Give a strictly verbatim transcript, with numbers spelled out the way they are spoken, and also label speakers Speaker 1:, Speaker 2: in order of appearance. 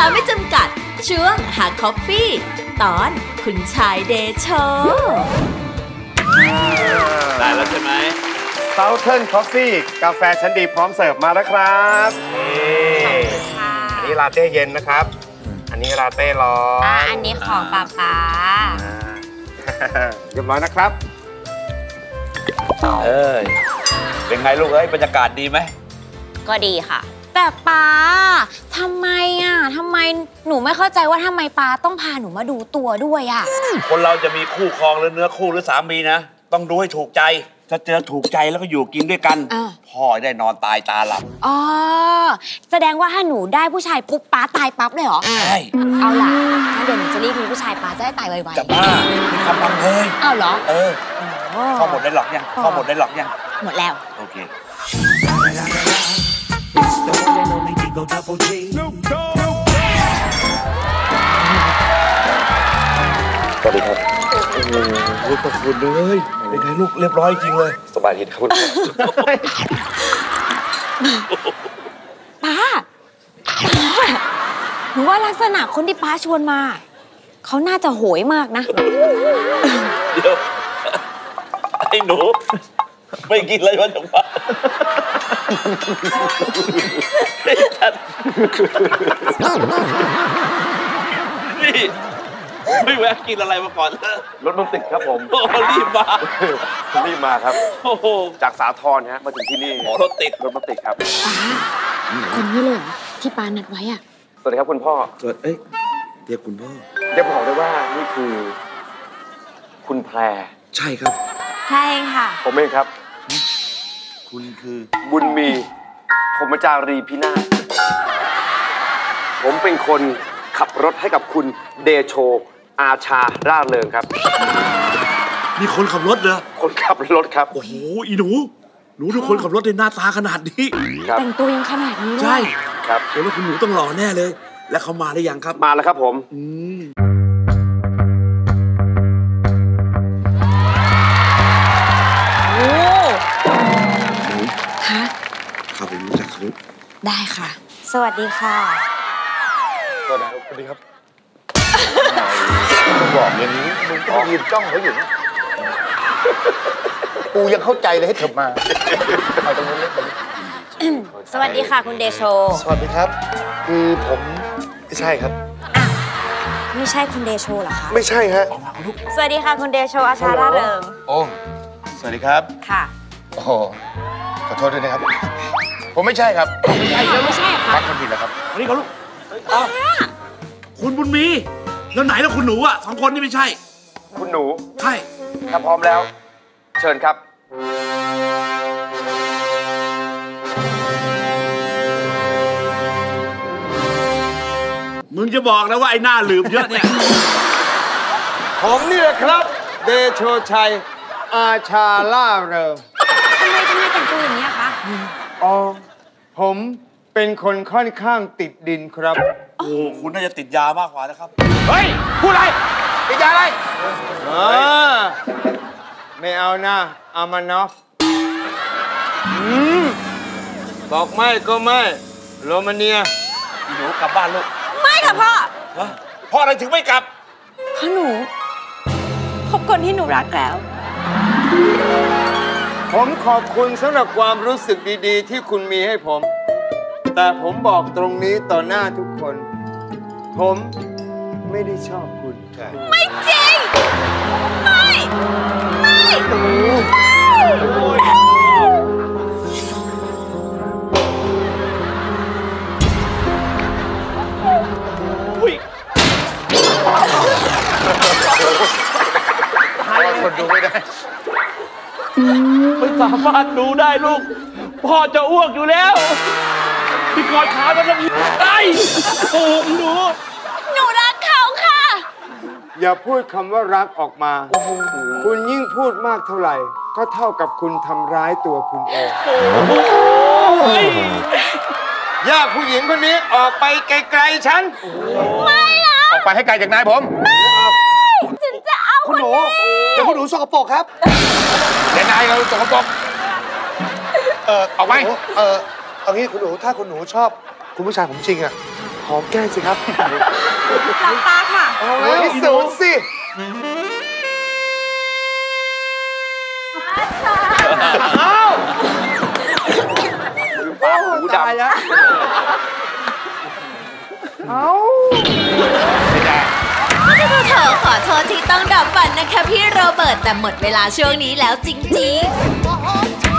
Speaker 1: าไม่จำกัดช่วงหาคอฟฟี่ตอนคุณชายเดโช
Speaker 2: ได้แล้วใช่ไหม
Speaker 3: Southern Coffee กาแฟชั้นดีพร้อมเสิร์ฟมาแล้วครับอันนี้ลาเต้เย็นนะครับอันนี้ลาเต้ร้อนอ่า
Speaker 4: อันนี้ของป๊าป๊า
Speaker 3: เรียบร้อยนะครับ
Speaker 2: เอ้ยเป็นไงลูกเอ้ยบรรยากาศดีไหม
Speaker 4: ก็ดีค่ะแต่ป๊าทำไมอ่ะทำไมหนูไม่เข้าใจว่าทำไมป๊าต้องพาหนูมาดูตัวด้วยอ่ะ
Speaker 2: คนเราจะมีคู่ครองหรือเนื้อคู่หรือสามีนะต้องดูให้ถูกใจถ้าเจอถูกใจแล้วก็อยู่กินด้วยกันพ่อได้นอนตายตาหลับ
Speaker 4: อ๋อแสดงว่าถ้าหนูได้ผู้ชายปุ๊บป๊าตายปั๊บเลยเหรอ
Speaker 2: ใช่
Speaker 4: เอาล่ะถ้าเดี๋ยวหนูจะรีบมีผู้ชายป๊าจะได้ตายไวๆ
Speaker 2: จะบ้ามีคำบังเลย
Speaker 4: อ้าวเหรอ
Speaker 2: เออพ่อหมดได้หรอกยังพ่อหมดได้หรอกยัง
Speaker 4: หมดแล้ว
Speaker 2: โอเคสวัสดีครับโอ้โหขอบคุณเลยเป็นไงลูกเรียบร้อยจริงเลยสบายดีครับคุณ
Speaker 4: ป้าหนูว่าลักษณะคนที่ป้าชวนมาเขาน่าจะโหยมากนะ
Speaker 2: เดี๋ยวไอ้หนูไม่กินอะไรมาจากบ้านนี่ไม่แวะกินอะไรมาก่อนเลย
Speaker 3: รถมันติดครับผม
Speaker 2: โอ้รีบมา
Speaker 3: รีบมาครับ
Speaker 2: โอ้โห
Speaker 3: จากสาทรฮะมาถึงที่นี่
Speaker 2: โอ้รถติด
Speaker 3: รถมันติดครับ
Speaker 4: ป้าคนนี้เลยที่ป้านัดไว้อ่ะ
Speaker 3: สวัสดีครับคุณพ่อ
Speaker 2: สวัสดีเอ้ยเรียกคุณพ่อ
Speaker 3: จะบอกได้ว่านี่คือคุณแพร
Speaker 2: ใช่ครับ
Speaker 4: ใช่ค่ะ
Speaker 3: ผมเองครับ
Speaker 2: คุณคือ
Speaker 3: บุญมีผมจารีพินาศผมเป็นคนขับรถให้กับคุณเดโชอาชาร่าเริงครับ
Speaker 2: มีคนขับรถเหรอ
Speaker 3: คนขับรถครับ
Speaker 2: โอ้โหอีหนูหนูทุกคนขับรถในหน้าตาขนาดนี้
Speaker 4: แต่งตัวยังขนาดนี้
Speaker 2: ใช่
Speaker 3: ครับ
Speaker 2: เดี๋ยวว่าคุณหนูต้องหล่อแน่เลยแล้วเขามาหรือยังครับ
Speaker 3: มาแล้วครับผม
Speaker 2: อืม
Speaker 4: โอ้คะ
Speaker 2: เข้าไปรู้จักเขา
Speaker 4: ได้ค่ะสวัสดีค่ะ
Speaker 3: สวัสดีครับมึงบอกอย่างนี้มึงต้องยืนจ้องเขาอยู่นะกูยังเข้าใจเลยให้เถิบมาเอาตรงนี้ตรงนี้
Speaker 4: สวัสดีค่ะคุณเดโช
Speaker 3: สวัสดีครับคือผมไม่ใช่ครับ
Speaker 4: ไม่ใช่คุณเดโชเหรอคะ
Speaker 3: ไม่ใช่ฮะ
Speaker 4: สวัสดีค่ะคุณเดโชอาชาร่าเริง
Speaker 3: โอ้สวัสดีครับ
Speaker 4: ค่ะ
Speaker 3: โอ้ขอโทษด้วยนะครับผมไม่ใช่ครับ
Speaker 4: ไม่ใช่ไม่ใช่ค่ะ
Speaker 3: พักคนผิดแล้วครับ
Speaker 2: นี่เขาลูกคุณบุญมีแล้วไหนแล้วคุณหนูอ่ะสองคนนี่ไม่ใช่
Speaker 3: คุณหนู
Speaker 2: ใช่
Speaker 3: ถ้าพร้อมแล้วเชิญครับ
Speaker 2: มึงจะบอกนะว่าไอ้หน้าลืมเยอะเนี่ย
Speaker 3: ผมนี่แหละครับเดโชชัยอาชาล่าเริง
Speaker 4: ทำไมทำไมแต่งตัวอย่างนี้คะ
Speaker 3: อ๋อผมเป็นคนค่อนข้างติดดินครับ
Speaker 2: โอ้คุณน่าจะติดยามากกว่านะครับ
Speaker 3: เฮ้ยพูดอะไรติดยาอะไรอ๋อไม่เอานะอามานอฟอืมบอกไม่ก็ไม่โรมาเนีย
Speaker 2: หนูกลับบ้านลูก
Speaker 4: ไม่ค่ะพ่อ
Speaker 2: พ่ออะไรถึงไม่กลับ
Speaker 4: เพราะหนูพบคนที่หนูรักแล้ว
Speaker 3: ผมขอบคุณสำหรับความรู้สึกดีๆที่คุณมีให้ผมแต่ผมบอกตรงนี้ต่อหน้าทุกคนผมไม่ได้ชอบคุณ
Speaker 4: ไม่จริงไม่ไม่
Speaker 3: คนดูไม่ได้
Speaker 2: ไม่สามารถดูได้ลูกพ่อจะอ้วกอยู่แล้วพี่กอดขามันจะไอ้โอ้หนู
Speaker 4: หนูรักเขาค่ะ
Speaker 3: อย่าพูดคำว่ารักออกมาคุณยิ่งพูดมากเท่าไหร่ก็เท่ากับคุณทำร้ายตัวคุณเองอย่าผู้หญิงคนนี้ออกไปไกลๆฉัน
Speaker 4: ไม่นะ
Speaker 3: ออกไปให้ไกลจากนายผม
Speaker 4: ไม่ฉันจะเอา
Speaker 3: คุณหนูเดี๋ยวคุณหนูสกปรกครับเดี๋ยวนายเราสกปรกเออออกไปเออเอางี้คุณหนูถ้าคุณหนูชอบคุณผู้ชายผมจริงอ่ะหอมแก้มสิครับ
Speaker 4: หลับตาค่ะ
Speaker 3: เอาแล้วพิสูจน์สิอ้าวปากหูดำแล้วเอา
Speaker 1: เธอขอโทษที่ต้องดับฝันนะคะพี่โรเบิร์ตแต่หมดเวลาช่วงนี้แล้วจริงๆ